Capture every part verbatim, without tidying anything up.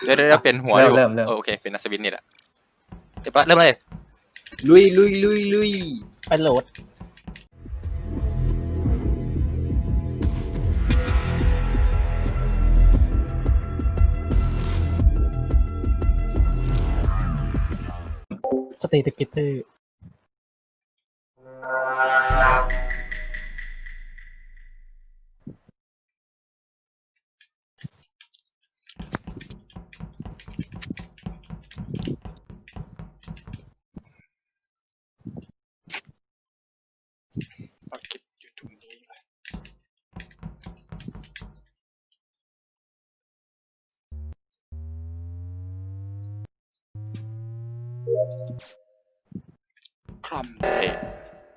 เดี๋ยวเดี๋ยวเปลี่ยนหัวเริ่อมยู่เริ่มเริ่มโอเคเป็นอัศวินนี่แหละเดี๋ยวปะเริ่มเลยลุยลุยลุยลุยไปโหลดสเตติกิเตอร์เอาคิดอยู่ตรงนี้ไปคลัมเดท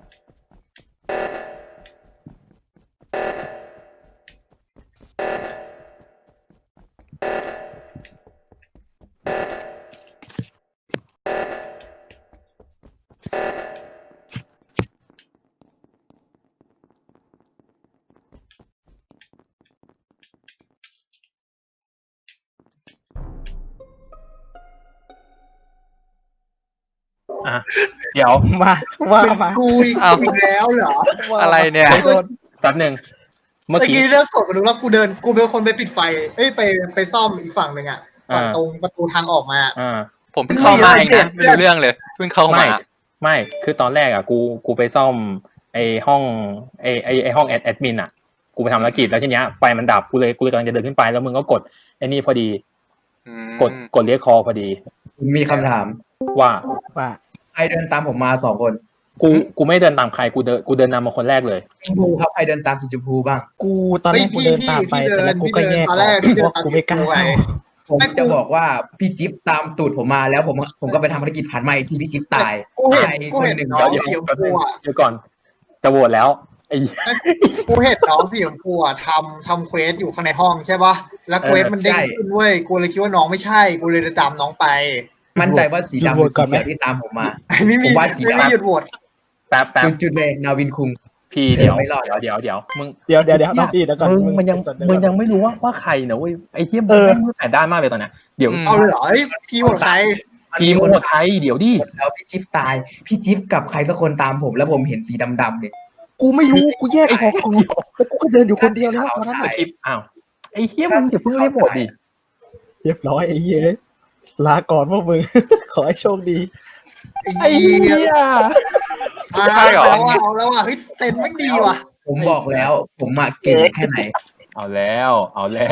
อ่ะเดี๋ยวมาว่ามากูอีกอีกแล้วเหรออะไรเนี่ยโดนแป๊บหนึ่งเมื่อเมื่อกี้กี้เรื่องสดกันดูแล้วกูเดินกูเป็นคนไปปิดไฟเอ้ยไปไปซ่อมอีกฝั่งหนึ่งอ่ะฝั่งอ่าตรงประตูทางออกมาอ่าผมเพิ่งเข้ามาเองนะไม่รู้เรื่องเลยเพิ่งเข้าไม่มาไม่คือตอนแรกอ่ะกูกูไปซ่อมไอห้องไอไอไอห้องแอดแอดมินอ่ะกูไปทำภารกิจแล้วทีเนี้ยไฟมันดับกูเลยกูเลยกำลังจะเดินขึ้นไปแล้วมึงก็กดไอนี่พอดีอืมกดกดเรียกคอพอดีมีคำถามว่าว่าใครเดินตามผมมาสองคนกูกูไม่เดินตามใครกูเดินกูเดินนำมาคนแรกเลยชมพูครับใครเดินตามสีชมพูบ้างกูตอนแรกกูเดินตามไปแต่แล้วกูก็แยกออกเพราะกูไม่กล้าเข้าผมจะบอกว่าพี่จิ๊บตามตูดผมมาแล้วผมผมก็ไปทำภารกิจผ่านมาอีกทีพี่จิ๊บตายกูเห็นตายกูคนเห็นหนึ่งน้องเดี๋ยวสีชมแป๊บนึพูงอ่ะเดี๋ยวก่อนจะโหวตแล้วไอ้กูเห็นน้องสีชมพูอ่ะทำทำเควสอยู่ข้างในห้องใช่ปะแล้วเควสมันเด้งขึ้นเว้ยกูเลยคิดว่าน้องไม่ใช่กูเลยเดินตามน้องไปมั่นใจว่าสีดำเป็นสีเขียวที่ตามผมมาไม่มีผมว่าสีไม่ดำมีหยุดโหวตแป๊บแป๊บจุดจุดเลยนาวินคุงพี่เดี๋ยวไม่รอดเดี๋ยวเดี๋ยวเดี๋ยวมึงเดี๋ยวเดี๋ยวเดี๋ยวน้องพี่เดี๋ยวก่อนมึงมันยังสัตว์เดี๋วมึงก่อนยังไม่รู้ว่าว่าใครนะเว้ยไอ้เทียมเออแม่งมือแปดด้านมากเลยตอนเนี้ยเดี๋ยวอืมเอาเลยเหรอเอ้ยพี่โหวตใครทีมโหดไทยเดี๋ยวดิแล้วพี่จิ๊บตายพี่จิ๊บกับใครสักคนตามผมแล้วผมเห็นสีดำๆเนี่ยกูไม่รู้กูแยกออกกูแล้วกูก็เดินอยู่คนเดียวแล้วตอนนั้นไอคลิปอ้าวไอ้เทียมมึงอย่าเพิ่งรีบโหวตดิเรียบร้อยไอ้เหี้ยลาก่อนพวกมึง ขอให้โชคดีไอ้เหี้ยอ่าใช่เหรอเอาแล้วเอาแล้วอ่ะเฮ้ยเต็นไม่ดีว่ะผมบอกแล้วผมมาเก่งแค่ไหนเอาแล้วเอาแล้ว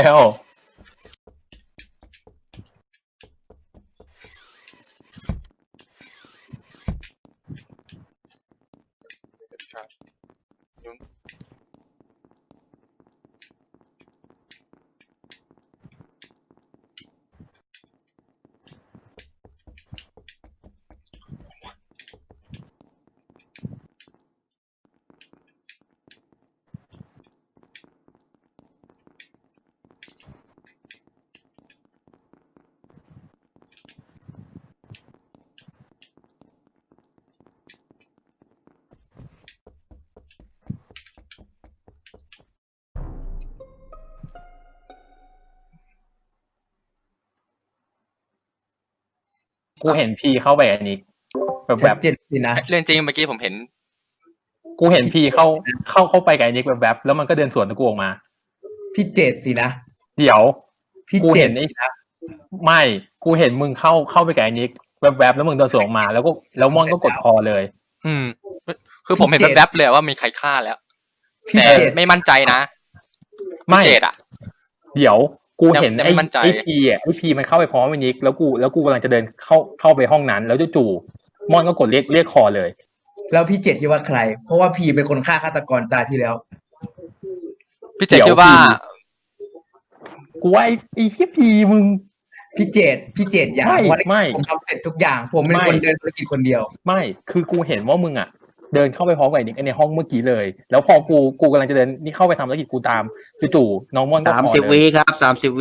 กูเห็นพีเข้าไปอันนี้แบบแบชับดเจนสินะเรื่องจริงเมื่อกี้ผมเห็นกูเห็นพีเข้าเข้าเข้าไปกับอันนี้แบบแบบแล้วมันก็เดินสวนกับกูออกมาพี่เจดสินะเดี๋ยวพี่กูเจเห็ดนไอ้ไม่กูเห็นมึงเข้าเข้าไปกับอันนี้แบบแบบแล้วมึงเดินสวนออกมา แล้วก็แล้วมอนก็กดคอเลยอืม คือผมเห็นแวบๆเลยว่ามีใครฆ่าแล้วพี่แต่เจดไม่มั่นใจนะไม่พี่เจดอ่ะเดี๋ยวกูเห็นยังไม่ไอ้มั่นใจไอ้พีอ่ะไอ้พีมันเข้าไปพร้อมไอ้นิกแล้วกูแล้วกูกำลังจะเดินเข้าเข้าไปห้องนั้น แล้วจู่ๆมอนก็กดเรียกเรียกคอเลยแล้วพี่เจดคิดว่าใคร เพราะว่าพี่เป็นคนฆ่าฆาตกรตายที่แล้วพี่เจดคิดว่ากูว่าไอ้ไอ้ที่พีมึงพี่เจดพี่เจดอย่าไม่เพราะไม่ผมทำเสร็จทุกอย่าง ผมเป็นไม่คนเดินธุรกิจคนเดียวไม่คือกูเห็นว่ามึงอ่ะ เดินเข้าไปพร้อมกับไอ้นิกในห้องเมื่อกี้เลย แล้วพอกูกูกำลังจะเดินนี่เข้าไปทำธุรกิจกูตามจู่ๆน้องมอนก็สามคอสิบเลวิยครับสามสิบวิ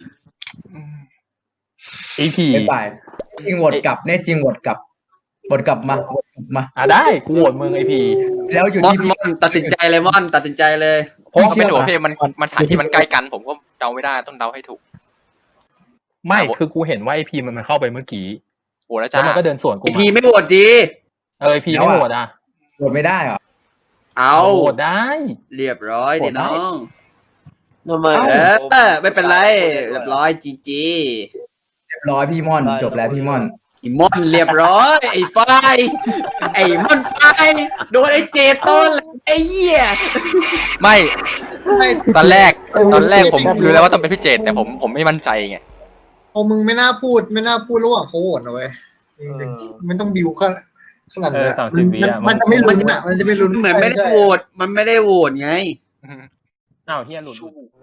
ไอ้พีไม่ไปจริงโหวตกลับแน่จริงโหวตกลับโหวตกลับมาโหวตกลับมาอ่ะได้กูโหวตมึงไอ้พีแล้วอยู่มอนที่พี่มอนตัดสินใจเลยมอนตัดสินใจเลยเพราะว่าไม่ถูกพี่มันมันสถานที่มันใกล้กัน ผมก็เดาไม่ได้ต้องเดาให้ถูกไม่คือกูเห็นว่าไอพีมันมันเข้าไปเมื่อกี้โหวตแล้วแล้จ้าวมันก็เดินสวนกูไอมาพีไม่โหวตดีเออไอพีไม่โหวตอ่ะโหวตไม่ได้เหรอเอาโหวตได้เรียบร้อยโหวดิตได้น้องทำไมเออไม่เป็นไรเรียบร้อยจีจีเรียบร้อยพี่ม่อนจบแล้วพี่ม่อนไอ้มอนเรียบร้อยไอ้ไฟไอ้มอนไฟโดนไอ้เจต้นไอ้เหี้ยไม่ไม่ตอนแรกเออตอนแรกผมเจตรู้แล้วว่าต้องเป็นพี่เจตแต่ผมผมไม่มั่นใจไงโอ้มึงไม่น่าพูดไม่น่าพูดระหว่างเขาโหวตนะเว้ยจริงๆมันต้องบิวขนาดขนาดนั้นอะมันมันจะไม่ลุ้นอ่ะมันจะไม่ลุ้นเหมือนไม่ได้ใช่โหวตมันไม่ได้โหวตไงอ้าวเฮียหลุด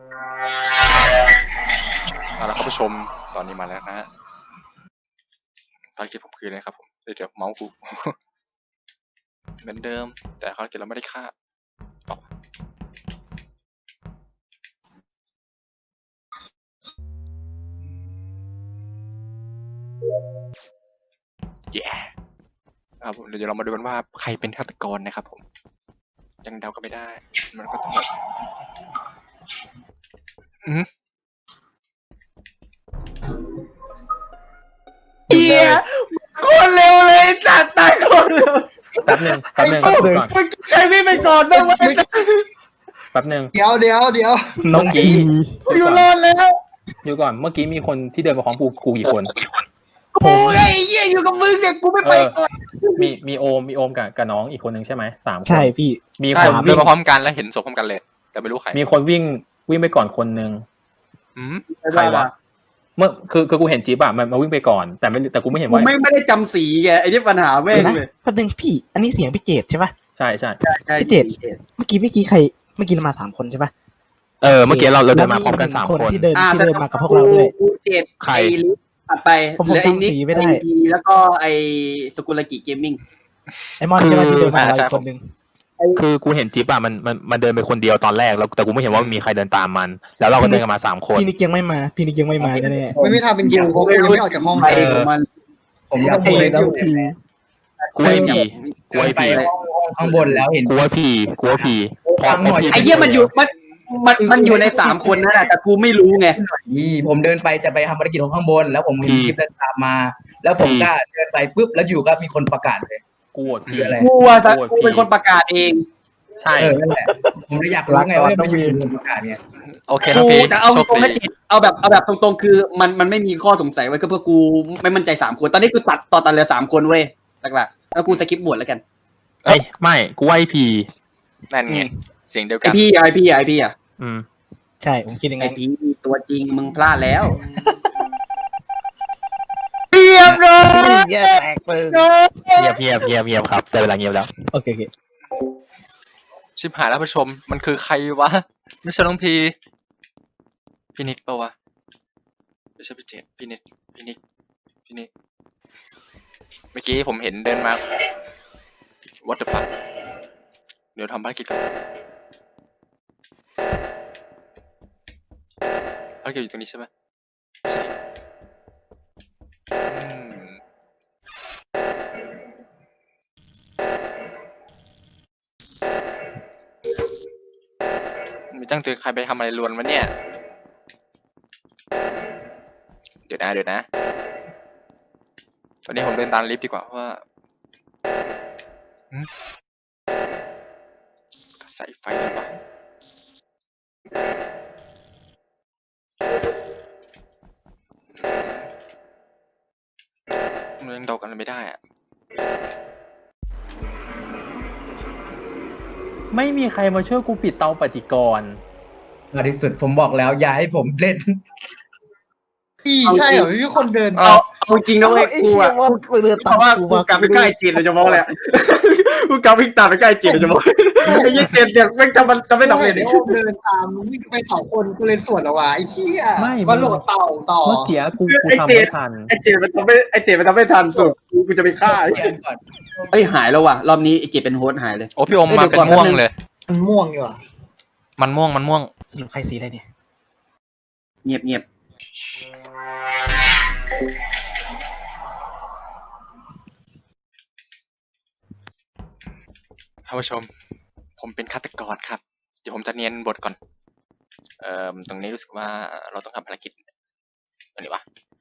เอาละครับผู้ชมตอนนี้มาแล้วนะฮะภารกิจผมคืออะไรครับผมเดี๋ยวเดี๋ยวเมาส์กู เหมือนเดิม แต่ภารกิจเราไม่ได้ฆ่าต่อเย้ครับผมเดี๋ยวเรามาดูกันว่าใครเป็นฆาตกรนะครับผม ยังเดากันไม่ได้ มันก็ต้องแบบอืมเฮียโคตรเร็วเลยจัดตายโคตรเร็วแป๊บหนึงแป๊บหนึงไอ้ก่อนเมื่อกี้ใครวิ่งไปก่อนบ้างวะแป๊บหนึงเดี๋ยวเดี๋ยวเดี๋ยวน้องกีอยู่รอดแล้วอยู่ก่อนเมื่อกี้มีคนที่เดินมาพร้อมกูกูกี่คนกูไอ้เหี้ยอยู่กับมึงเนี่ยกูไม่ไปก่อนมีมีโอมมีโอมกับกับน้องอีกคนนึงใช่ไหมสามคนใช่พี่มีใช่คนเดิวิ่นงมาพร้อมกันแล้วเห็นศพพร้อมกันเลย แต่ไม่รู้ใครมีคนวิ่งวิ่งไปก่อนคนนึงอืมใครวะเมื่อคือคือกูเห็นจิ๊บอะมันมาวิ่งไปก่อน แต่ไม่แต่กูไม่เห็นกูว่าไม่ไม่ได้จำสีไงไอ้ที่ปัญหาแม่เดี๋ยวงนะเลยแป๊บนึงพี่ อันนี้เสียงพี่เจตใช่ปะใช่ใช่ใช่พี่เจต เมื่อกี้เมื่อกี้ใคร เมื่อกี้เรามาสามคนใช่ปะเออเมื่อกี้เราเราเดินมาพร้อมกันสามคนคนที่เดินอ่าที่เดินมากับพวกเราด้วยกูเจ็ดใครไอ้ลิฟตัดไปผมผมเหลือไอ้นิกจำสีไม่ได้ไอ้พีแล้วก็ไอ้สกุลกิเกมมิ่งไอมอนใช่ปะที่เดินมากับเราอีกคนนึงคือกูเห็นจิ๊บอะมันมันมันเดินไปคนเดียวตอนแรกแล้วแต่กูไม่เห็นว่ามีใครเดินตามมัน แล้วเราก็เดินกันมาสามคนพี่นิกยังไม่มา พี่นิกยังไม่มาแน่ไม่มีทางเป็นคิวเพราะกูยังไม่ออกจากห้องไปเลยของมันผมอยากเอพูดอเลยแล้วพี่กูไอพีกูเดิไอนไปพีห้องข้างบนแล้วเห็นกูว่าพีกูว่าพีพอฟังหน่อยไอ้เหี้ยมันอยู่มันมันมันอยู่ในสามคนนั่นแหละแต่กูไม่รู้ไงนี่ผมเดินไปจะไปทำภารกิจของข้างบน แล้วผมเห็นคลิปเดินตามมา แล้วผมก็เดินไปปุ๊บแล้วอยู่ก็มีคนประกาศเลยกูโหวตพีคืออะไรกูว่าสักกูเป็นคนประกาศเองใช่เออนั่นแหละผมเลยอยากรู้ไงว่ามันอยู่ในประกาศเนี่ยโอเคน้องกูพีแต่เอาโชคตรงดีๆนะจิตเอาแบบเอาแบบตรงๆคือมันมันไม่มีข้อสงสัยไว้ก็เพื่อกูไม่มั่นใจสามคนตอนนี้กูตัดต่อตัดเหลือสามคนเว้ยหลักๆแล้วกูสกิปบวชแล้วกันเอ้ยไม่กูว่าไอพีนั่นไงเสียงเดียวไอกันพี่ไอพี่ไอพี่อ่ะอืมใช่ผมคิดอย่างไอนั้นพี่ตัวจริงมึงพลาดแล้วเรียบร้อยแย่แตกเลยเงียบเงียบเงียบเงียบครับแต่เวลาเงียบแล้วโอเคโอเคชิบหายแล้วผู้ชมมันคือใครวะไม่ใช่น้องพีพี่นิกปะวะไม่ใช่พี่เจตพี่นิกพี่นิกพี่นิกเมื่อกี้ผมเห็นเดินมา what the fuck เดี๋ยวทำภารกิจก่อนภารกิจอยู่ตรงนี้ใช่ไหมไม่ใช่ดิอืมมีตั้งเตือนใครไปทำอะไรลวนวะเนี่ย เดี๋ยวนะเดี๋ยวนะ ตอนนี้ผมเดินตามลิฟต์ดีกว่าเพราะว่าหืมใส่ไฟเลยปะมันยังเดากันไม่ได้อะไม่มีใครมาช่วยกูปิดเตาปฏิกรณ์มาที่สุดผมบอกแล้วอย่าให้ผมเล่นพี่ใช่เหรอไม่มีคนเดินเอาเอาจริงนะเว้ยกูอ่ะเรือเพตามราะว่ากูกูมากลับไปใกล้จีนโดยเฉพาะเลยอะกูกลับวิ่งตามไปใกล้จีนโดยเฉพาะไอ้ยี่เจ็ดเนี่ยแม่งทำมันทำไม่สำเร็จไอ้โอมเดินตามมึงวิ่งไปเผาคนกูเลยสวนละวะไอ้เหี้ยไม่มาโหลดเต่าต่อเมื่อกี้กูกูทำไม่ทันไอ้เจ็ดมันทำไม่ไอ้เจ็ดมันทำไม่ทันสุดกูกูจะไปฆ่าเรียนก่อนเอ้ยหายแล้วว่ะรอบนี้ไอ้เจ็ดเป็นโฮสต์หายเลยโอ้พี่อมเอ้ยมาเดี๋ยวเป็นก่อนม่วงแป๊บนึงเลยมันม่วงอยู่อ่ะมันม่วงมันม่วงสรุปใครสีอะไรเนี่ยเงียบเงียบท่านผู้ชม ผมเป็นฆาตกรครับ เดี๋ยวผมจะเนียนบทก่อน เอ่อตรงนี้รู้สึกว่าเราต้องทำภารกิจอันนี้วะ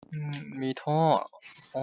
อืมมีท่ออ๋อ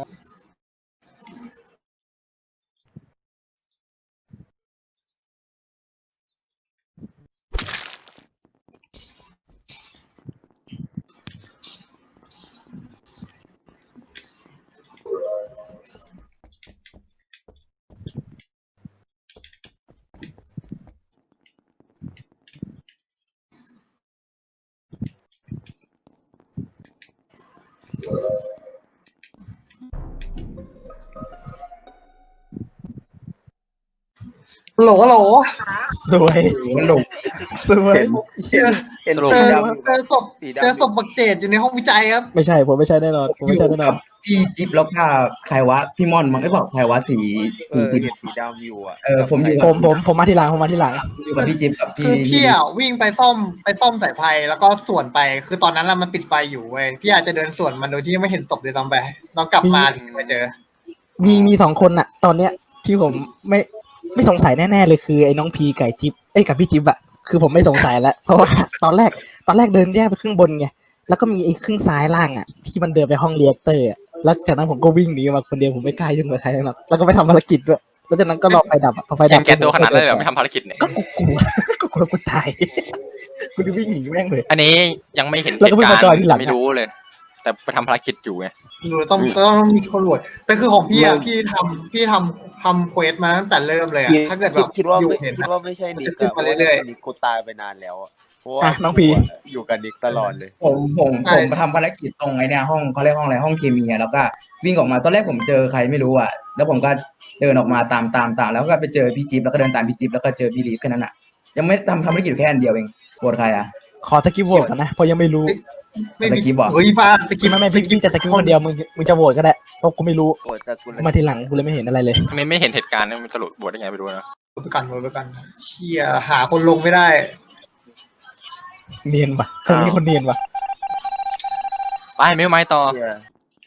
โหลโหลสวยมันหลงสวยเห็นเห็นสรุปเจสีอดำอยู่เจอศพสีเจอดำอศยู่พบักเจดอยู่ในห้องวิจัยครับไม่ใช่ผมไม่ใช่แน่นอนผมอไม่ใช่ยู่แน่นกัอบ นพี่จิ๊บแล้วก็ใครวะพี่ม่อนมั้งไอ้บอกใครวะสีเอสีอสีเห็นสีดำอยู่อ่ะเออผมอยู่ผมผมผมมาทีหลังผมมาทีหลังอยู่กับพี่จิ๊บกับคืพี่อพี่อ่ะวิ่งไปซ่อมไปซ่อมสายไฟแล้วก็ส่วนไป คือตอนนั้นอะมันปิดไฟอยู่เว้ยพี่อาจจะเดินส่วนมันโดยที่ไม่เห็นศพเลยซ้ำไปเรากลับมาถึงมาเจอมีมีสองคนอะตอนเนี้ยที่ผมไม่ไม่สงสัยแน่ๆเลยคือไอ้น้องพีไก่จิ๊บเอ้ยกับพี่จิ๊บอะคือผมไม่สงสัยแล้ว เพราะว่าตอนแรกตอนแรกเดินแยกไปครึ่งบนไงแล้วก็มีไอ้ครึ่งซ้ายล่างอะที่มันเดินไปห้องเรียกเตอร์อะแล้วจากนั้นผมก็วิ่งหนีมาคนเดียวผมไม่กล้ายุ่งกับใครทั้งนั้นแล้วก็ไปทำภารกิจด้วยแล้วจากนั้นก็รอไฟดับอะพอไฟแกดับงแกตัวขนาดนั้นเลยเหรอไม่ทำภารกิจเนี่ยก็กูกลัว ก็กลัวกูตายกูจะวิ่งหนีแม่งเลยอันนี้ยังไม่เห็นแล้วเหก็ตุเพิ่งการมาจอยทีหลังณ์ไม่รู้เลย แต่ไปทำภารกิจอยู่ไงหรือต้องต้องมีคนโหวตแต่คือของพี่อะไม่พี่ทำพี่ทำทำเควสมาตั้งแต่เริ่มเลยอะคิดถ้าเกิดคิแบดบคิดว่าอยู่ไม่เห็นคิดนะว่าไม่ใช่นิกมันจะขึ้นอะเพมาราะว่าเรื่อยๆนิกกูตายไปนานแล้วอะเพราะว่าอ่ะน้องพีกูะอยู่กับนิกตลอดเลยผมผมใช่ผมทำภารกิจตรงไอ้เนี่ยห้องเขาเรียกห้องอะไรห้องเคมีอะแล้วก็วิ่งออกมาตอนแรกผมเจอใครไม่รู้อ่ะแล้วผมก็เดินออกมาตามตามตามแล้วก็ไปเจอพี่จิ๊บแล้วก็เดินตามพี่จิ๊บแล้วก็เจอพี่ลีฟแค่นั้นอ่ะยังไม่ทำทำภารกิจแค่อันเดียวเองโหวตใครอ่ะขอตะกี้โหวตกันนะเพราะยังไม่รู้ไม่มีสกิปเหรอเฮ้ยป้าสกิปไม่ไม่พี่พี่จะตะกี้คนเดียวมึงมึงจะโหวตก็ได้เพราะกูไม่รู้โอ้แต่กูกูมาทีหลังกูเลยไม่เห็นอะไรเลยอันนี้ไม่เห็นเหตุการณ์นะมันสรุปบวชได้ไงไม่รู้นะไปกันไปกันเชี่ยหาคนลงไม่ได้เนียนว่ะครั้งนี้คนเนียนว่ะไปไม่ไม้ต่อเหี้ย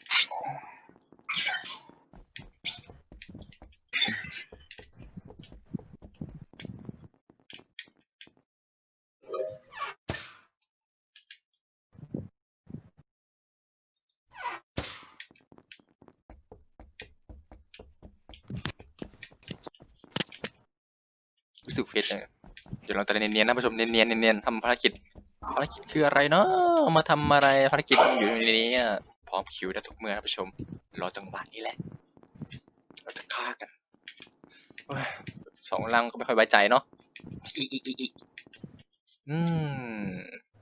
รู้สึกเฟซเลยเดี๋ยวเราจะเนียนๆนะผู้ชมเนียนๆเนียนๆทำภารกิจภารกิจคืออะไรเนาะมาทำอะไรภารกิจอยู่ในนี้อะพร้อมคิวได้ทุกเมื่อนะผู้ชมรอจังหวะนี้แหละเราจะฆ่ากันโอ้ยสองลังก็ไม่ค่อยไว้ใจเนาะอีอีอีอีอืม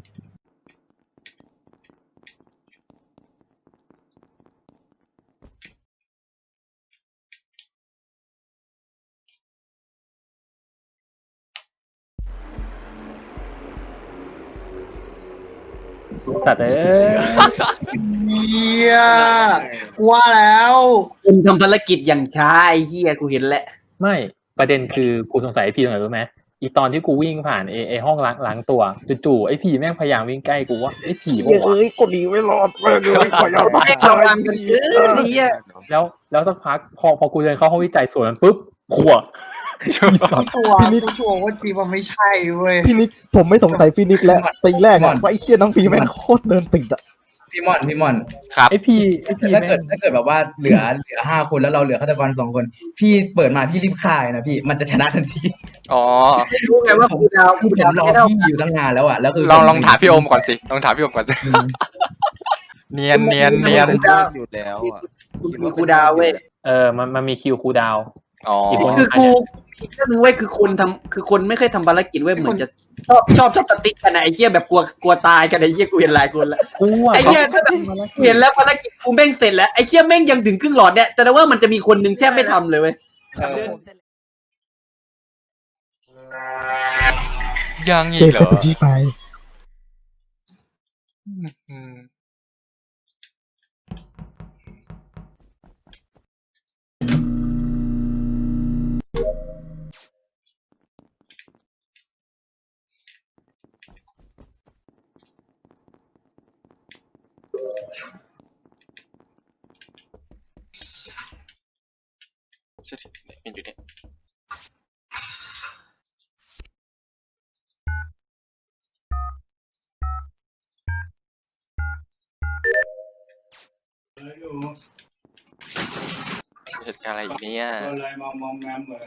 สัตว์เอ้ยเฮียกว่าแล้วคุณทำภารกิจอย่างช้าไอ้เหี้ยกูเห็นแล้วไม่ประเด็นคือกูสงสัยไอ้พีตรงไหนรู้ไหมอีตอนที่กูวิ่งผ่านไอ้ไอ้ห้องล้างล้างตัวจู่ๆไอ้พีแม่งพยายามวิ่งใกล้กูว่าไอ้ผีบอกว่าเอ้ยกูหนีไม่รอดแม่งเลยขอยอมไม่ระวังกันเกินไอ้เหี้ยแล้วแล้วสักพักพอพอกูเดินเข้าห้องวิจัยสวนมันปุ๊บขัวตัวรู้ตัวว่าจีมันไม่ใช่เว้ยพี่นิกผมไม่สงสัยพี่นิกแล้วตีแรกอะว่าไอ้เชี่ยน้องพีแม่งโคตรเดินติดอะพี่ม่อนพี่ม่อนครับไอ้พีไอ้พีถ้าแม่เกิดงถ้าเกิดแบบว่าเหลือเหลือห้าคนแล้วเราเหลือฆาตกรสองคน พี่เปิดมาพี่รีบฆ่าเลยนะพี่มันจะชนะทันทีอ๋อรู้ไงว่าครูดาวคคืรูอผดาวมรอไม่ได้พี่อยู่ตั้งนานแล้วอ่ะแล้วคือลองลองถามพี่โอมก่อนสิลองถามพี่โอมก่อนสิอืมเนียนเนียนเนียนครูดาวอยู่แล้วอ่ะครูดาวเว้ยเออมันมันมีคิวคูลดาวน์อ๋ออีกคนคือครูอีกเรื่องนึงเว้ยคือคนทำคือคนไม่เคยทำภารกิจเว้ยเหมือนจะชอบชอบชอบสติ๊กกันอะไอ้เหี้ยแบบกลัวกลัวตายกันไอ้เหี้ยกูเห็นหลายคนแล้วกูอะไอ้เหี้ยถ้าแบบเห็นแล้วภารกิจกูแม่งเสร็จแล้วไอ้เหี้ยแม่งยังถึงครึ่งหลอดเนี่ยแต่ว่ามันจะมีคนหนึ่งแทบไม่ทำเลยเว้ยยังอีเจ็กบเหรแต่อตุจีไปอืมเช็ดเห็นอยู่เนี่ยเหตุการณ์อะไรอีกเนี่ยอะไรมามอมแมมเลย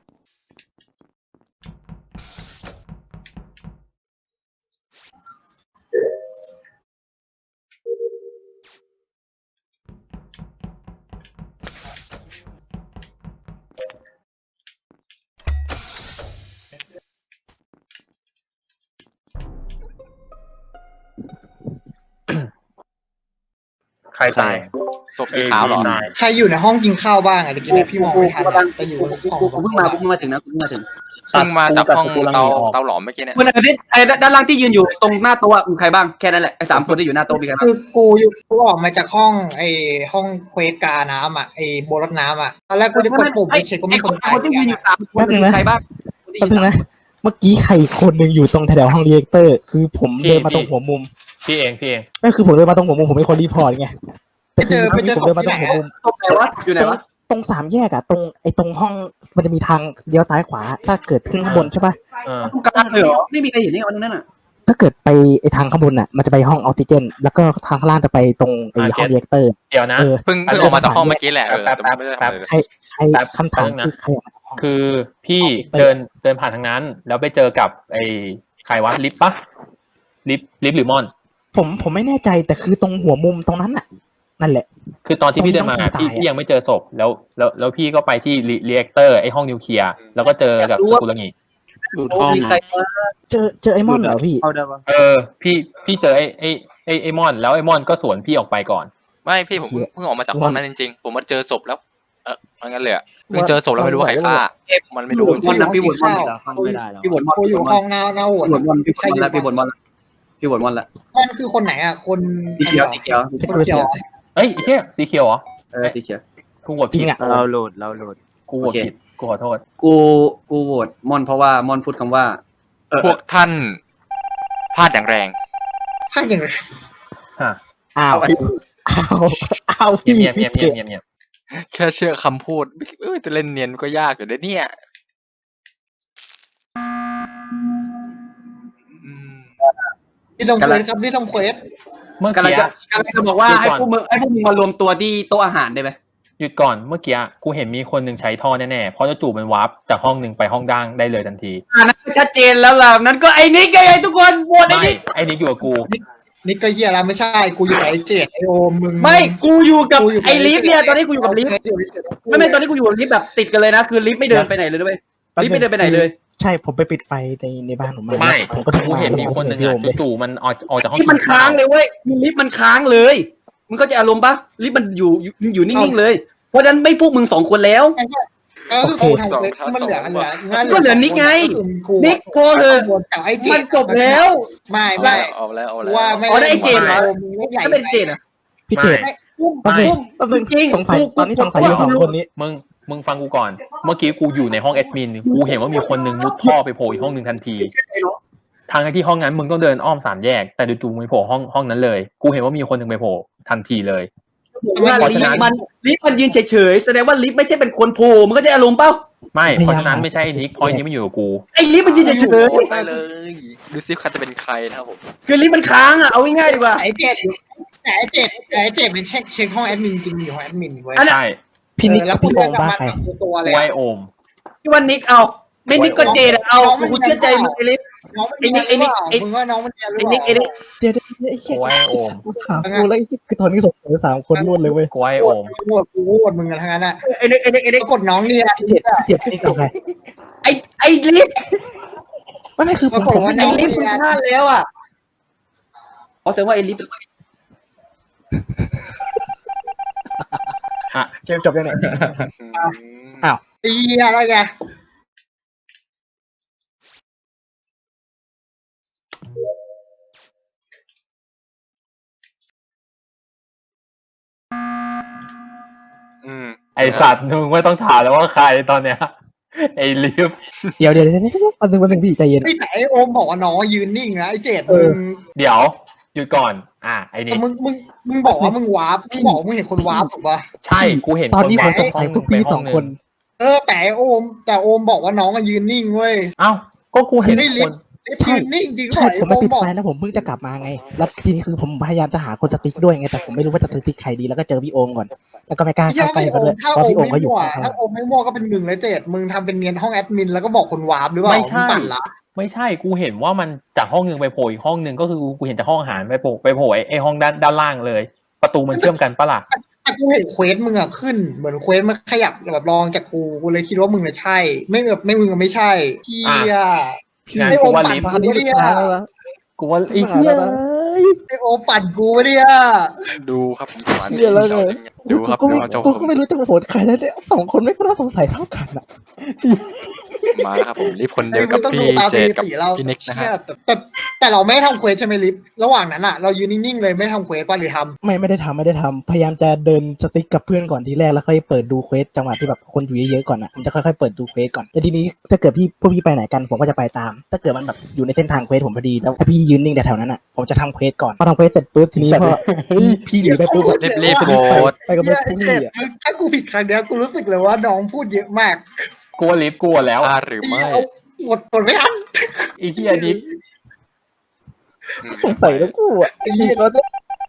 ใครตายศพสีขาวเหรอตายใครอยู่ในห้องกินข้าวบ้างอะตะกี้เนี่ยพี่มองไม่ทันกูกำลังแต่อยู่กูในกูห้องกูกูเพิ่งมากูเพิ่งมาถึงนะกูเพิ่งมาถึงเพิ่งมาจากห้องกูกำลังเตาหนีออกเตาหลอมเมื่อกี้เนี่ยคนไหนที่ไอ้ด้านล่างที่ยืนอยู่ตรงหน้าโต๊ะมีใครบ้างแค่นั้นแหละไอ้สามคนที่อยู่หน้าโต๊ะมีใครบ้างคือกูอยู่กูออกมาจากห้องไอ้ห้องเควสกาน้ำอะไอ้โบรถน้ำอะตอนแรกกูจะกดปุ่มไปเช็คก็ไอ้มีคคน นตายคนที่ยืนอยู่สามคนแป๊บนึงนะใครบ้างแป๊บนึงนะ เมื่อกี้ใครคนหนึ่งอยู่ตรงแถวๆห้องเรียกเตอร์ คือผมเดินมาตรงหัวมุมพี่เองพี่เองก็คือผมเดินมาตรงหัวมุมผมเป็นคนรีพอร์ตไงไปเจอไปเจอผมศพเดินมาที่ตรไหนงหัวมุอะมตรงไหนวะอยู่ไหนวะตรงสามแยกอะตรงไอ้ตรงห้องมันจะมีทางเลี้ยวซ้ายขวา ถ้าเกิดขึ้นข้างบนใช่ปะเออตรงกลางเลยเหรอไม่มีใครเห็นนี่วันนั้นน่ะถ้าเกิดไปไอ้ทางข้างบนอะมันจะไปห้องออกซิเจน แล้วก็ทางข้างล่างจะไปตรงไอ้ห้องเรียกเตอร์เดี๋ยวนะเออเพิ่งเพิ่งออกมาจากห้องเมื่อกี้แหละเออแต่ไม่ได้ทำอะไรเลยใครใครแป๊บคำถามแป๊บนึงนะคือใครออกมาจากห้องคือพี่เดินเดินผ่านทางนั้น แล้วไปเจอกับไอ้ใครวะลิฟต์ปะลิฟต์ลิฟต์หรือมอนผมผมไม่แน่ใจแต่คือตรงหัวมุมตรงนั้นน่ะ นั่นแหละคือตอนที่พี่เดินมาตรงที่พี่ตายอะพี่ยังไม่เจอศพแล้วแล้วแล้วพี่ก็ไปที่รีแอคเตอร์ไอ้ห้องนิวเคลียร์แล้วก็เจอกับสกุลงีหลุดห้องมีใครเจอเจอไอ้มอนเหรอพี่เข้าได้ปะเออพี่พี่เจอไอ้ไอ้ไอ้ไอ้มอน แล้วไอ้มอนก็สวนพี่ออกไปก่อนไม่พี่ผมเพิ่งเพิ่งออกมาจากห้องนั้นจริงๆ ผมมาเจอศพแล้ว เออมันงั้นเลยอะเพิ่งเจอศพแล้วไม่รู้ว่าใครฆ่า มันไม่รู้มอนนะพี่บดมอนพี่บดมอนกูอยู่ห้องหน้าหน้าโหวตพี่บดมอนพี่บดมอนแล้วพี่บดมอนพี่บดมอนละมันคือคนไหนอะคนสีเขียวสีเขียวคนเขียวเอ้ยไอ้เหี้ยสีเขียวเหรอเออสีเขียวกูโหวตจริผิดงอะเราโหลดเราโหลดกูโหวตผิดกูขอโทษกูกูโหวตมอนเพราะว่ามอนพูดคำว่า เออพวกท่านพลาดอย่างแรงถ้าอย่างไรฮะอ้าวอ้าวอ้าวเงีพี่ยบเงียบเงียบเงียบเงียบเงียบแค่เชื่อคำพูดเอ้ยจะเล่นเนียนก็ยากอยู่นะเนี่ยอืมที่ทำเควสครับที่ทำเควสเมื่อกำลังกี้จะกำลังจะบอกว่าให้พวกมึงให้พวกมึงมารวมตัวที่โต๊ะอาหารได้ไหมหยุดก่อนเมื่อกี้กูเห็นมีคนหนึ่งใช้ท่อแน่ๆเพราะจู่ๆมันวาร์ปจากห้องหนึ่งไปห้องด่างได้เลยทันทีอ่านั้นก็ชัดเจนแล้วล่ะนั้นก็ไอ้นิกไงทุกคนโหวตไอ้ไม่นิกไอ้นิกอยู่กับกูนี่ก็เฮียแล้วไม่ใช่กูอยู่กับไอ้เจดไอโอมมึงไม่กูอยู่กับกูยู่ไอ้ลิฟต์เนี่ยตอนนี้กูอยู่กับลิฟต์ไม่ไม่ตอนนี้กูอยู่กับลิฟต์แบบติดกันเลยนะคือลิฟต์ไม่เดินไปไหนเลยด้วยลิฟต์ไม่เดินไปไหนเลยใช่ผมไปปิดไฟในในบ้านผมมาไม่ผมก็กูเห็นมีคนหนึ่งพี่อะโอมเลยจู่ๆมันออกออกจากห้องที่มันค้างเลยเว้ยลิฟต์มันค้างเลยมึงเข้าใจอารมณ์ปะลิฟต์มันอยู่อยู่อยู่นิ่งๆเลย เพราะฉะนั้นไม่พวกมึงสองคนแล้วเออคือกูทำเควสมันเหลือเหลือก็เหลือนิกไงกูนิกพอเถอะกับไอ้เจมัดนจบแล้วไม่ไม่เอาแล้วเอาแล้วว่าไม่อ๋อได้ไอ้เจดเหรอมึงไม่ใหญ่ถ้าเป็นเจนอ่ะพี่เจดพุ่มแป๊บนึงพุ่มแป๊บนึงจริงสงสัยกูตอนนี้สงสัยอยู่สองคนนี้มึงมึงฟังกูก่อน เมื่อกี้กูอยู่ในห้องแอดมินกูเห็นว่ามีคนหนึ่งมุดท่อไปโผล่อีกห้องหนึ่งทันที ทางที่ห้องนั้นมึงต้องเดินอ้อมสามแยกแต่จู่ๆมึงไปโผล่ห้องห้องนั้นเลย กูเห็นว่ามีคนหนึ่งไปโผล่ทันทีเลยว่าลิฟต์มันลิฟต์มันยืนเฉยๆแสดงว่าลิฟต์ไม่ใช่เป็นคนโผล่มันก็จะอารมณ์เปล่าไม่เพราะฉะนั้นไม่ใช่ไอ้นิกเพราะไอ้นิกมันอยู่กับกูไอ้ลิฟต์มันยืนเฉยโอ้ได้เลยดูซิใครจะเป็นใครนะครับผมๆคือลิฟต์มันค้างอ่ะเอาง่ายๆดีกว่าไอ้เจดแต่ไอ้เจดแต่ไอ้เจดเป็นเช็คเช็คห้องแอดมินจริงอยู่ห้องแอดมินเว้ยใช่พี่นิกแล้กัวบพี่โอมบ้าใครตัวกูเลยไอโอมที่ว่านิกเอาไม่นิกก็เจดอะเอากูเชื่อใจมึงไอ้ลิฟต์น้องมันไอ้นิกไอ้มึงว่าน้องมันเรียนหรือไอ้เปนิกล่าไอ้นิกเดี๋ยวเดี๋ยวไอ้เหี้ยกูไอโอมกูถามกูแล้วไอ้คือตอนนี้สงสัยสามคนรวดเลยเว้ยกูไอโอมกูโหวตกูโหวตมึงกันทั้งนั้นอ่ะไอ้นิกไอ้นิกไอ้นิกกดน้องเรียนพี่เจดพี่เจดพี่นิกกับใครไอ้ไอ้ลิฟต์ไม่ไม่คือผมผมไม่ไอ้ได้ลิฟต์มันพลาดแล้วอ่ะอ๋อแสดงว่าไอ้ลิฟต์เกมจบยังไงอืมตีอะไรไงอืมไอสัตว์มึงไม่ต้องถามแล้วว่าใครตอนเนี้ยไอลิฟต์เดี๋ยวเดี๋ยวเดี๋ยวเดี๋ยวอันนึงวันหนึ่งพี่ใจเย็นไอ้แต่ไอ้โอมบอกว่าน้องยืนนิ่งนะไอ้เจดมึงเดี๋ยวหยุดก่อน อ่ะไอแต่นี่มึงมึงมึงบอกว่ามึงวาร์ปมึงบอกมึงเห็นคนวาร์ปถูกป่ะใช่กูเห็นตอนนี้ผมสงห้สัอย งพวกพี่สองคนเออแต่ไอ้โอม แต่โอมบอกว่าน้องยืนนิ่งเว้ยเอ้าก็กูเห็นคือไอ้ลิคฟนต์ไอ้ยืนนิ่งจริงหรใช่อไอ้ผมโอไม่ติดบอกไฟแล้วผมเพิ่งจะกลับมาไง แล้วทีนี้คือผมพยายามจะหาคนสติ๊กด้วยไงแต่ผมไม่รู้ว่าจะสติ๊กใครดีแล้วก็เจอพี่โอมก่อน แล้วก็ไม่กล้าถ้าเข้าใกล้ไม่เขาโอด้วยมถ้าเพโอราะมพี่โอมไม่เขาอยู่มั่วข้างถ้าโอมไม่มั่วก็เป็นหนึ่งเลยเจ็ดมึงทำเป็นเนียนห้องแอดมินแล้วก็บอกคนวาร์ปหรือเปล่าไม่ใช่งปั่นละไม่ใช่กูเห็นว่ามันจากห้องหนึ่งไปโผล่อีกห้องหนึ่งก็คือกูเห็นจากห้องอาหารไปโผล่ไปโผล่ไอ้ไอ้ห้องด้านด้านล่างเลย ประตูมันเชื่อมกันปะล่ะแต่กูเห็นเควสมึงอะขึ้นเหมือนเควสมันขยับแบบลองจากกูกูเลยคิดว่ามึงอะใช่ ไม่แบบไม่มึงอะไม่ใช่เฮียพี่งั้นไอโอกูมว่าปั่นลิฟต์มากูนี่ปะลูกเนี่ยค้าแล้วนะกูว่าไอ้ชิบหายเหี้ยแล้วนะไอโอมปั่นกูปะเนี่ยดูครับผมสอนเหี้ยแล้วไงดูครับกูดูก็เอาเจ้ากูผมก็ไม่รู้จะโหวตใครแล้วเนี่ยสองคนไม่ก็น่าสงสัยเท่ากันอ่ะมาแล้วครับผมลิฟต์คนเดีไอ้ยวมึกับงต้องพี่ดูตามเจสดถิกับติเราพี่นิกนะฮะเชี่ยแต่แต่แต่เราไม่ทำเควสใช่ไหมลิฟระหว่างนั้นอะเรายืนนิ่งๆเลยไม่ทำเควสป่ะหรือทำไม่ไม่ได้ทำไม่ได้ทำพยายามจะเดินสติ๊กกับเพื่อนก่อนทีแรกแล้วค่อยเปิดดูเควสจังหวะที่แบบคนอยู่เยอะๆก่อนอ่ะผมจะค่อยๆเปิดดูเควสก่อนแล้วทีนี้ถ้าเกิดพี่พวกพี่ไปไหนกันผมก็จะไปตาม ถ้าเกิดมันแบบอยู่ในเส้นทางเควสผมพอดีแล้วถ้าพี่ยืนนิ่งแต่แถวนั้นอ่ะผมจะทำเควสก่อนพอทำเควสเสร็จปุ๊บทีนี้พอพี่พี่หนีไปปุ๊บอะรีบรีบโหวตไปกับเพื่อนพวกพี่อ่ะถ้ากูผิดครั้งเดียวกูรู้สึกเลยว่าน้องพูดเยอะมากกูว่าลิฟต์กูว่าแล้วอ่าหรือไม่เอาหมดหมดไม่ทันไอ้เหี้ยลิฟต์อืมสงสัยแล้วกูอ่ะไอ้เหี้ยแล้วเนี่ย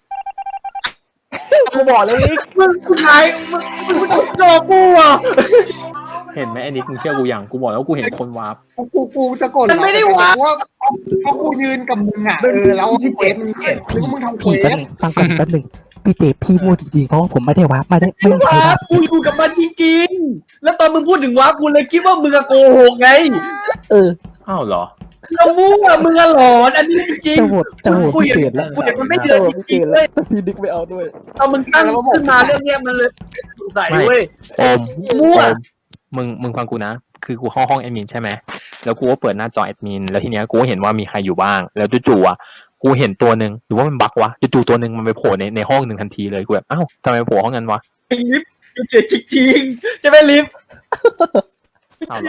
กูบอกเลยลิฟต์มึงใครมึงมึงมึงโดนกูอ่ะเห็นไหมไอ้นิกมึงเชื่อกูอย่างกูบอกแล้วกูเห็นคนวาร์ปกูกูกูจะกดมันไม่ได้วะเพราะว่าเพราะกูยืนกับมึงอ่ะเออแล้วเควสมึงแล้วมึงทำเควพี่แป๊บสหนึงฟังก่อนแป๊บหนึงพี่เจพี่มั่วจริงๆเพราะว่าผมไม่ได้วาร์ปไม่ได้ไม่มีใครว้าวาร์ปกูอยู่กับมันจริงๆแล้วตอนมึงพูดถึงว้ากูเลยคิดว่ามึงอะโกหกไงเอออ้าวเหรอเรามั่วมึงอะหลอนอันนี้จริงจะโหวตจะโหวตกูพี่เห็นเจดแล้วกูเห็นมันไม่จะเดินโหวตจพี่เจริงดๆแล้เลวย แต่พี่นิกไม่เอาด้วยตอนมึงตั้งขึ้นมาเรื่องเนี้ยมันเลยสงสัยเว้ยโอมมั่วโอมมึงมึงฟังกูนะ คือกูเข้าห้องแอดมินใช่ไหมแล้วกูก็เปิดหน้าจอแอดมินแล้วทีเนี้ยกูก็เห็นว่ามีใครอยู่บ้าง แล้วจู่ๆอ่ะกูเห็นตัวหนึ่งหรือว่ามันบั๊กวะจู่ๆตัวหนึ่งมันไปโผล่ในในห้องหนึ่งทันทีเลยกูแบบอ้าวทำไมไปโผล่ห้องนั้นวะลิฟต์เจ๋จริงๆใช่ไหมลิฟต์อ้าวเหรอ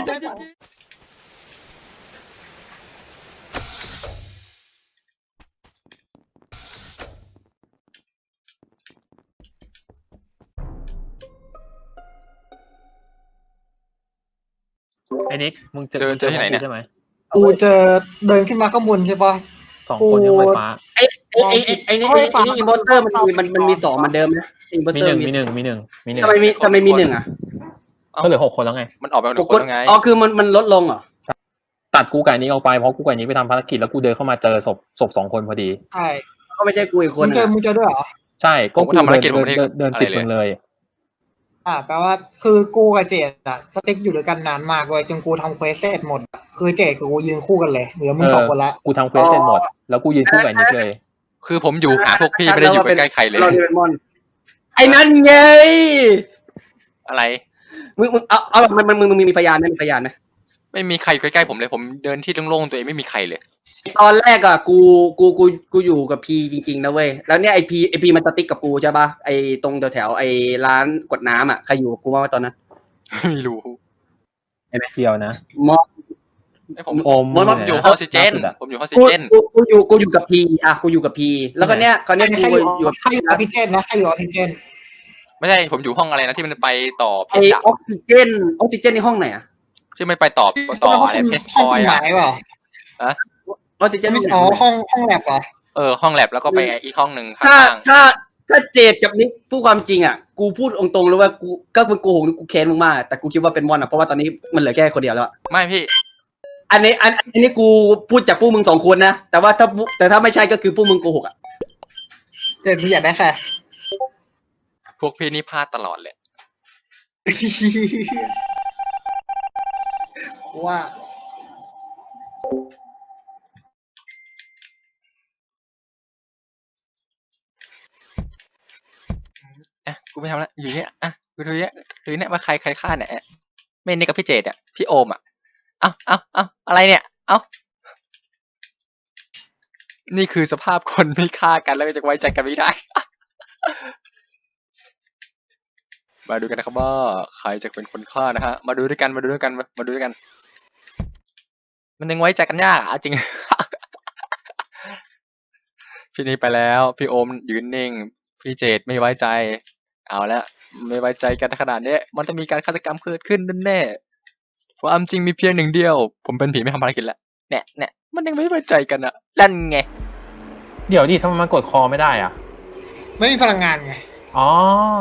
ไอ้นิกมึงเจอเจอเจอที่ไหนเนี่ยใช่ไหมกูเจอเดินขึ้นมาข้างบนใช่ปะสองคนที่ห้องไฟฟ้าไอ้ไอ้ไอ้ไอ้นี่ไอ้ไอ้นี่อิมโพสเตอร์มันมีมันมันมีสองเหมือนเดิมนะอิมโพสมีเตอหร์นึ่งมีมีหนึ่งมีหนึ่งมีหนึ่งทำไมมีทำไมมีหนึ่งอ่ะก็เหลือหกคนแล้วไงมันออกไปหหนึ่กงคคน นแล้วไงอ๋อคือมันมันลดลงเหรอตัดกูไก่นี้ออกไปเพราะกูไก่นี้ไปทำภารกิจแล้วกูเดินเข้ามาเจอศพศพสองคนพอดีใช่ก็ไม่ใช่กูอีกคมึนงเจออะมึงเจอด้วยเหรอใช่ก็ผมก็ทำภารกิจผมไม่ได้เดินเดินอะไรติดเลยมึงเลยอ่าแปลว่าคือกูกับเจดอะสติ๊กอยู่ด้วยกันนานมากเว้ยจนกูทำเควสเสร็จหมดอะคือเจดกับกูยืนคู่กันเลยเหลือมึงเออสองคนละกูทำเควสเสร็จหมด แล้วกูยืนคู่กับไอ้นิกเลยคือผมอยู่หาพวกพี่ไม่ได้อยู่ใกล้ๆใครเลยเราเดนมอนไอ้นั่นไงอะไรมึงมึงเอาเอาแบบมันมันมึงมึงมีพยานไหมมีพยานไหมไม่มีใครอยู่ใกล้ๆผมเลยผมเดินที่โล่งๆตัวเองไม่มีใครเลยตอนแรกอะกูกูกูกูอยู่กับพีจริงๆนะเว้ยแล้วเนี่ยไอพีไอพีมันสติ๊กกับกูใช่ปะไอตรงแถวๆไอร้านกดน้ำอะใครอยู่กับกูบ้างวะตอนนั้นไม่รู้เดียวนะมอไอ้ผมโอมมอผมอยู่ไหะห้องออกซิเจนล่าสุดอะผมอยู่ห้องออกซิกูเจนกูกูอยู่กูอยู่กับพีอ่ะกูอยู่กับพีแล้วก็เนี้ยคราวเนี้ยใครกูอยู่อยู่กับใครอยู่ออกซิเจนนะใครอยู่ออกซิเจนไม่ใช่ผมอยู่ห้องอะไรนะที่มันไปต่อเพไอชรดับออกซิเจนออกซิเจนในห้องไหนอะที่มันไปต่อต่ออะไรเพชรพห้องลอยไหนอ่ะเปล่าออกซิเจนไม่ห้องใช่ไหนอ๋อห้องห้องแลบเหรอเออห้องแลบแล้วก็ไปอีกห้องหนึ่งข้ถ้าางถ้าถ้าเจดกับนิกพูดความจริงอ่ะกูพูดตรงๆเลยว่ากูก็เป็นโกหกกูแค้นมึงมากแต่กูคิดว่าเป็นมอนอ่ะเพราะว่าตอนนี้มันเหลือแค่คนเดียวแล้วอะๆไม่พี่อันนี้อันอันนี้กูพูดจากพวกมึงสองคนนะแต่ว่าถ้าแต่ถ้าไม่ใช่ก็คือพวกมึงโกหกอ่ะเจดมึงอยากได้ใครพวกพี่นี่พลาดตลอดเลยว่าอ่ะกูไม่ทำละอยู่เนี้ยอ่ะกูดูเนี้ยดูเนี้ยว่าใครใครฆ่าเนี่ยไม่นี่กับพี่เจดอ่ะพี่โอมอ่ะเอ้าเอ้าเอ้าอะไรเนี่ย เอ้านี่คือสภาพคนไม่ฆ่ากันแล้วจะไว้ใจกันไม่ได้ มาดูกันนะครับว่าใครจะเป็นคนฆ่านะฮะมาดูด้วยกันมาดูด้วยกันมาดูด้วยกัน มันยังไว้ใจกันยากอ่ะจริง พี่นี่ไปแล้วพี่โอมยืนนิ่งพี่เจดไม่ไว้ใจ เอาละไม่ไว้ใจกันขนาดนี้มันจะมีการฆาตกรรมเกิดขึ้นแน่ๆความจริงมีเพียงหนึ่งเดียว ผมเป็นผีไม่ทำภารกิจแล้วเนี่ยเนี่ยมันยังไม่ไว้ใจกันอะนั่นไงเดี๋ยวดิทำไมมันกดคอไม่ได้อ่ะไม่มีพลังงานไงอ๋อ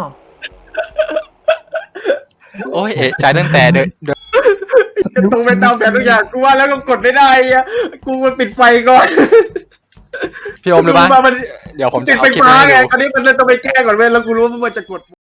โอ้ยเอะใจตั้งแต่เดินเดินจะตรงไปตามแผนทุกอย่างกูว่าแล้วก็กดไม่ได้อ่ะกูมันปิดไฟก่อนพี่โอมเลยปะมามันเดี๋ยวผมปิจะดเอาไฟคลิปฟ้ามาให้ไงดูตอนนี้มันเลยต้องไปแก้ก่อนเว้ยแล้วกูรู้ว่ามันจะกด